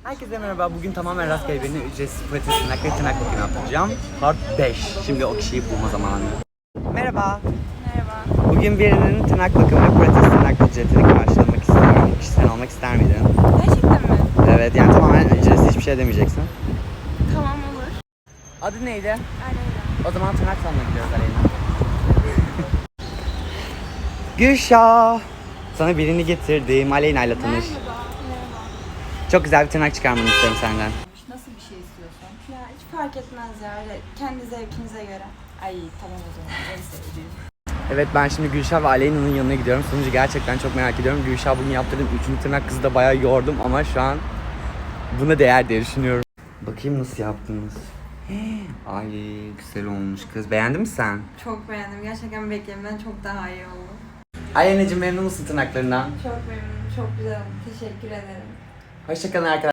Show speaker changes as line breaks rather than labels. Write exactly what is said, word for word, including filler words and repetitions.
Herkese merhaba. Bugün tamamen rastgele birine ücretsiz pilates tırnak ve tırnak bakımı yaptıracağım. Part beş. Şimdi o kişiyi bulma zamanı. Merhaba.
Merhaba.
Bugün birinin tırnak bakımı ve pilates tırnak ücretini karşılamak istiyorum. Kişiden almak ister miydin?
Gerçekten mi?
Evet, yani tamamen ücretsiz, hiçbir şey demeyeceksin.
Tamam, olur.
Adı neydi?
Aleyna.
O zaman tırnak salonuna gidiyoruz Aleyna. Gülşah. Sana birini getirdim. Aleyna ile tanış.
Merhaba. Merhaba.
Çok güzel bir tırnak çıkarmanı istiyorum senden.
Nasıl bir şey istiyorsan? Ya hiç fark etmez ya. Öyle kendi zevkinize göre. Ay tamam o zaman. En sevdiğim.
Evet, ben şimdi Gülşah ve Aleyna'nın yanına gidiyorum. Sonucu gerçekten çok merak ediyorum. Gülşah bugün yaptırdığım üçüncü tırnak kızı da bayağı yordum ama şu an buna değer diye düşünüyorum. Bakayım nasıl yaptınız. Ay güzel olmuş kız. Beğendin mi sen?
Çok beğendim. Gerçekten beklemeden çok daha iyi oldu.
Aleyna'cığım memnun musun tırnaklarından?
Çok memnunum. Çok güzel oldu. Teşekkür ederim.
Hoşçakalın arkadaşlar.